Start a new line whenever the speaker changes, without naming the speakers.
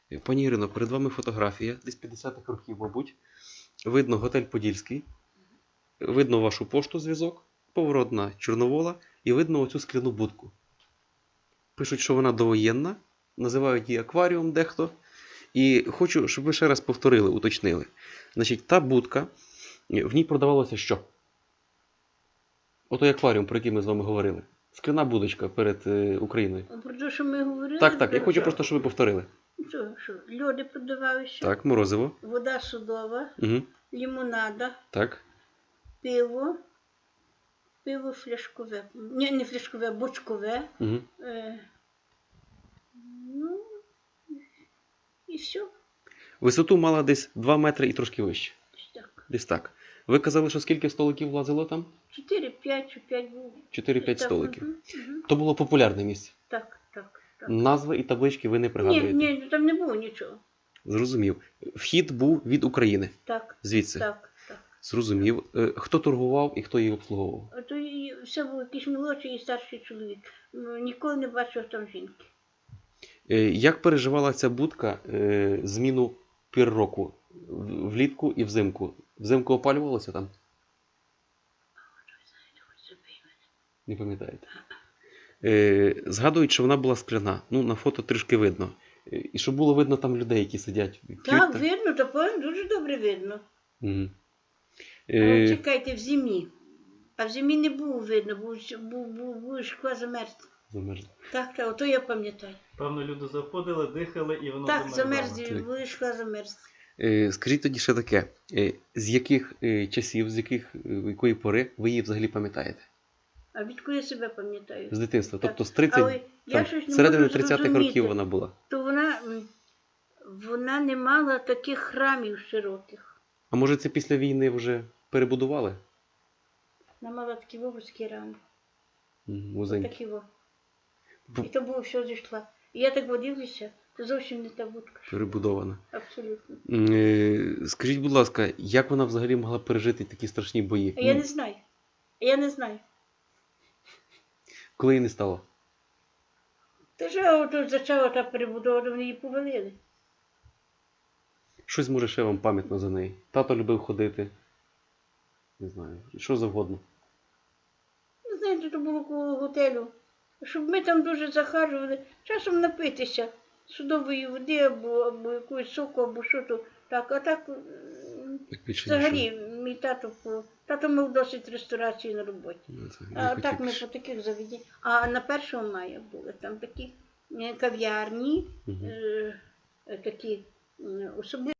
Пані Ірино, перед вами фотографія, десь 50-х років, мабуть. Видно готель Подільський, видно вашу пошту зв'язок, поворот на Чорновола і видно оцю скляну будку. Пишуть, що вона довоєнна, називають її акваріум дехто. І хочу, щоб ви ще раз повторили, уточнили. Значить, та будка, в ній продавалося що? Отой акваріум, про який ми з вами говорили. Скляна будочка перед Україною.
Про те, що ми говорили?
Так, я хочу просто, щоб ви повторили.
Що? Льоди продавалися.
Так, морозиво.
Вода судова,
Угу.
лимонада,
Так.
пиво фляшкове. Не фляшкове, а бочкове.
Угу.
Ну, і все.
Висоту мала десь 2 метри і трошки вище.
Так.
Десь так. Ви казали, що скільки столиків влазило там?
4-5 чи 5 було.
4-5 столиків.
Угу.
То було популярне місце.
Так.
Назви і таблички ви не пригадуєте?
Ні, там не було нічого.
Зрозумів. Вхід був від України.
Так.
Звідси?
Так.
Зрозумів. Хто торгував і хто її обслуговував?
А то все був якийсь молодший і старший чоловік. Ніколи не бачив там жінки.
Як переживала ця будка зміну пір року? Влітку і взимку? Взимку опалювалося там? Не пам'ятаєте? Згадують, що вона була скляна. Ну, на фото трішки видно. І що було видно там людей, які сидять.
Так, видно, то дуже добре видно.
Угу.
А чекайте, в зимі. А в зимі не було видно, був шкла замерз.
Замерзла.
Так, ото я пам'ятаю.
Певно, люди заходили, дихали і воно
Так,
замерзало.
замерз, була шкла замерз.
Скажіть тоді ще таке. З яких часів, якої пори ви її взагалі пам'ятаєте?
А відколи я себе пам'ятаю?
З дитинства.
Так.
Тобто з 30,
Але я щось не
середини
можу
30-х
зрозуміти.
років вона була.
То вона не мала таких храмів широких.
А може це після війни вже перебудували?
Вона мала такі вузькі рами.
Музей.
Такі во. І то було все зійшла. І я так водилася, це зовсім не та будка.
Перебудована.
Абсолютно.
Скажіть, будь ласка, як вона взагалі могла пережити такі страшні бої?
А я не знаю.
Коли її не стало?
Та ж ото почала та перебудова, вони її повалили.
Щось може ще вам пам'ятно за неї. Тато любив ходити. Не знаю, що завгодно.
Ну, знаєте, то було коло готелю. Щоб ми там дуже захажували, часом напитися судової води або якогось соку, або що то. Так, а так,
Так більше
взагалі,
нічого.
мій тато мав досить реставрації на роботі.
Не
А
хотів
так ми
більше.
по таких заведеннях. А на 1 мая були там такі кав'ярні, такі особливі.